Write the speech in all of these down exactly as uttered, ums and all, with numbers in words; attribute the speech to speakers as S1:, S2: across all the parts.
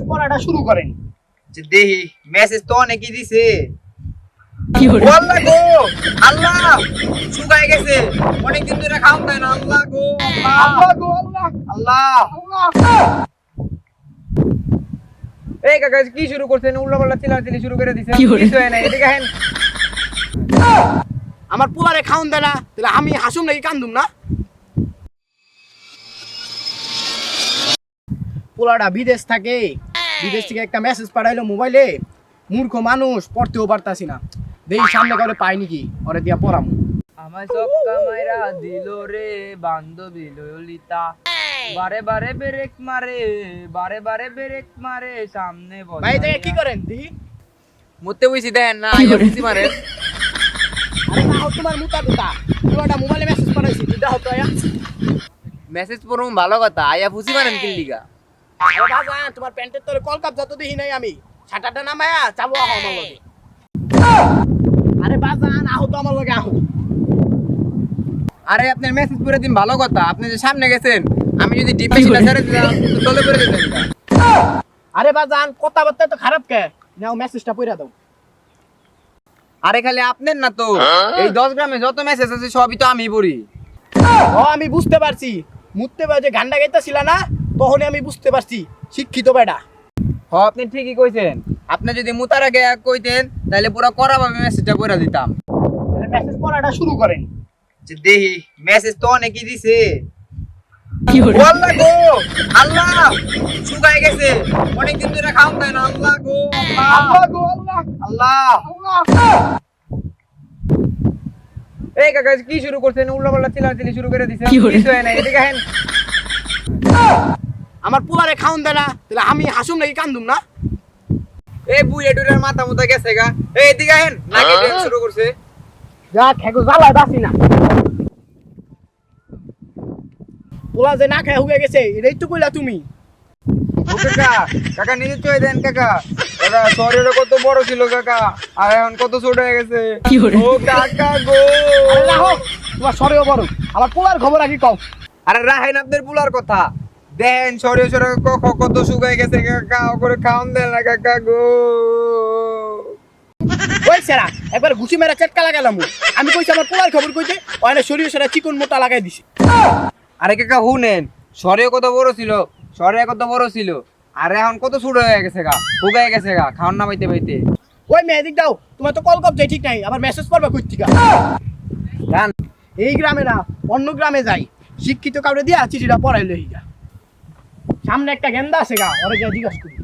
S1: পড়াটা শুরু করেন।
S2: যে দেহি মেসেজ তো অনেকই দিছে। আল্লাহ গো আল্লাহ শুকায় গেছে, অনেকদিন ধরে খাওয়া যায় না। আল্লাহ গো
S1: আল্লাহ গো আল্লাহ
S2: আল্লাহ।
S1: আল্লাহ।
S2: এই কাকা কি শুরু করছেন? উল্টা পাল্টা চিল্লাচিল্লি শুরু করে দিছেন, কিছু হয় না। এদিকে আহেন।
S1: আমার পোলারে খাওন দেয় না, তাহলে আমি হাসুম নাকি কান্দুম না? পোলাটা বিদেশ থাকে, বিদেশ থেকে একটা মেসেজ পাঠাইলো মোবাইলে। মূর্খ মানুষ, পড়তেও পারতাছি না। দেখি সামনে করে পাই নাকি, ওরে দিয়া পড়ামু।
S2: আমায় সক্কা মাইরা দিল রে বান্ধবী ললিতা, বারে বারে ব্রেক মারে, বারে বারে ব্রেক মারে, সামনে বল।
S1: ভাই দেখে কি করেন দেখি?
S2: মুতে বইছি দেন না, আইয়া বুঝি মারেন।
S1: আরে না হোক তোমার মুতা দুটা, পোলাটা মোবাইলে মেসেজ পাঠাইছি, দুটা হতো আয়া।
S2: মেসেজ পড়ুম ভালো কথা, আইয়া ফুসি মারেন কি লিগা?
S1: আরে বাজান, তোমার প্যান্টের তলে কলকাপ যত দেখি নাই আমি, ছাটাটা নামায়া চাবো আহ আমার লগে। আরে বাজান আহ তো আমার লগে আহ।
S2: আরে আপনার মেসেজ পড়ে দিন ভালো কথা, আপনি যে সামনে গেছেন, আমি যদি ডিপে সিটা ছেড়ে দিতাম তো তলে পড়ে যেতেন।
S1: আরে বাজান কথাবার্তা তো খারাপ কে, নাও মেসেজটা পড়া দাও।
S2: আরে খালি আপনার না তো, এই দশ গ্রামে যত মেসেজ আছে সবই তো আমি পড়ি।
S1: ও আমি বুঝতে পারছি, মুততে বাজে গান্ডা গাইতাছিল না, তখনই আমি বুঝতে পারছি শিক্ষিত বেটা।
S2: হ আপনি ঠিকই কইছেন, আপনি যদি মুতার আগে কইতেন তাহলে পুরো করা ভাবে মেসেজটা পড়ে দিতাম।
S1: তাহলে মেসেজ পড়াটা শুরু করেন।
S2: যে দেহি মেসেজ তো অনেকই দিছে। আল্লাহ গো আল্লাহ শুকায় গেছে, অনেকদিন ধরে খাওয়া যায় না। আল্লাহ গো
S1: আল্লাহ গো আল্লাহ
S2: আল্লাহ।
S1: আল্লাহ।
S2: এই কাকা কি শুরু করছেন? উল্টা পাল্টা চিল্লাচিল্লি শুরু করে দিছেন, কিছু হয় না। এদিকে আহেন।
S1: আমার পোলারে খাওন দেয় না, তাহলে আমি হাসুম নাকি কান্দুম না?
S2: এই বুইয়া ডুরের মাথা মুথা গেছে গা। এই এদিকে আহেন, নাকি ড্যান্স শুরু করছে।
S1: যা খেগো জ্বালায় বাসি না। পোলা যে না খায় হুগে গেছে, এটাই তো কইলা তুমি।
S2: ও কাকা কাকা নিজে চয়ে দেন কাকা। কাকা শরীরে কত বড় ছিল কাকা, আর এখন কত ছোট হয়ে গেছে। ও কাকা গো।
S1: আরে রাখো, তোমার সরেও বড়, আমার পোলার খবর আগে কও।
S2: আরে রাহেন আপনার পুলার কথা দেন, শরীরে শরীরে কত শুকায় গেছে কাকা, করে খাওন দেন না কাকা গো।
S1: ওই সেরা একবার ঘুষি মেরা চেটকা লাগালাম। আমি কইছি আমার পোলার খবর কইতে, ওখানে শরীরে সেরা চিকন মোটা লাগাই দিছি।
S2: আরে কাকা হুনেন, শরীরে কত বড় ছিল, শরীরে কত বড় ছিল, আর এখন কত ছোট হয়ে গেছে গা, শুকায় গেছে গা, খাওয়ান না পাইতে পাইতে।
S1: ওই মেয়েদিক দাও, তোমার তো কল কপ যাই ঠিক নাই, আবার মেসেজ করবে কই থেকে?
S2: জান
S1: এই গ্রামে না অন্য গ্রামে যাই, শিক্ষিত কাউরে দিয়া চিঠিটা পড়াই লই গা। সামনে একটা গেন্দা আছে গা, ওরে গিয়া জিজ্ঞাসা করি।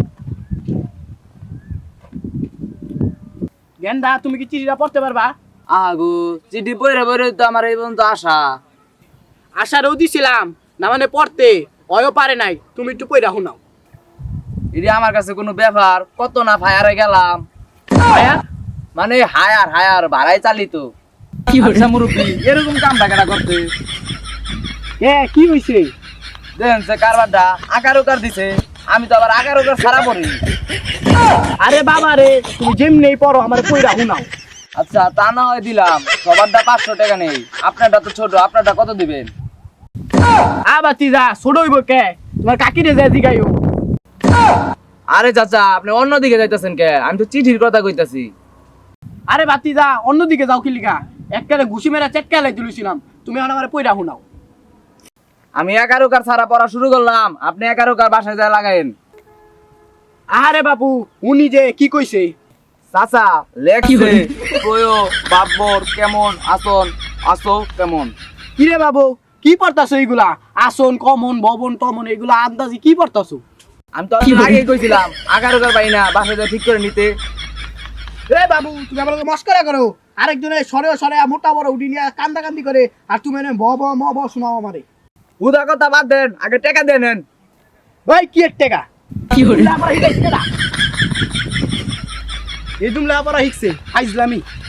S1: গেন্দা তুমি কি চিঠিটা পড়তে পারবা?
S3: আগু চিঠি পড়ে পড়ে তো আমার এই পর্যন্ত আসা।
S1: আশারও দিছিলাম না, মানে পড়তে অয়ও পারে নাই, তুমি একটু পড়া শোনাও।
S3: এটি আমার কাছে কোনো ব্যাপার, কত না ফায়ারে গেলাম।
S1: ভাইয়া
S3: মানে হায়ার হায়ার ভাড়াই চালিত। আচ্ছা মুরব্বী, এরকম কাম টাকাটা করতে
S1: এ কি হইছে?
S3: দেখেন সে কারবারটা আকার উকার দিছে, আমি তো আবার আকার উকার ছাড়া পড়ি।
S1: আরে বাবা রে, তুমি যেমনি পড়ো আমার পড়া শোনাও।
S3: আচ্ছা তা না হয় দিলাম, সবারটা পাঁচশো টাকা নেই, আপনারটা তো ছোট, আপনারটা কত দিবেন?
S1: আবাতি যা ছোট হইব কে, তোমার কাকিরে যা জিগাইও।
S3: আরে চাচা আপনি অন্যদিকে যাইতেছেন কে? আমি তো চিঠির কথা কইতাছি।
S1: আরে বাতি যা অন্যদিকে যাও কি লিগা? এককালে ঘুষি মেরা চেটকা লাই দিলছিলাম, তুমি এখন আমার পড়া শোনাও।
S3: আমি একার উকার ছাড়া পড়া শুরু করলাম, আপনি একার উকার বাসায় যায় লাগাইন।
S1: আরে বাবু উনি যে কি কইছে?
S3: চাচা লেখছে প্রয় বাব্বর কেমন আসন আসো কেমন।
S1: কিরে বাবু কি পড়তাছো এইগুলা? আসন কমন ভবন টমন এগুলা আন্দাজি কি পড়তাছো?
S3: আমি তো আগেই কইছিলাম আকার উকার পাই না, বাসায় যায় ঠিক করে নিতে।
S1: এ বাবু তুমি আমার লগে মস্করা করো, আরেকজনে সরে সরে মোটা বড় উডি নিয়ে কান্দা কান্দি করে, আর তুমি এনে ব ব ম ব শোনাও আমারে।
S3: উদা কথা বাদ দেন, আগে টাকা দেন নেন।
S1: ভাই কি এর টাকা? কি হইল? আমার হিকাইছে না এই দুমলা আবার হিকছে আইজলামি।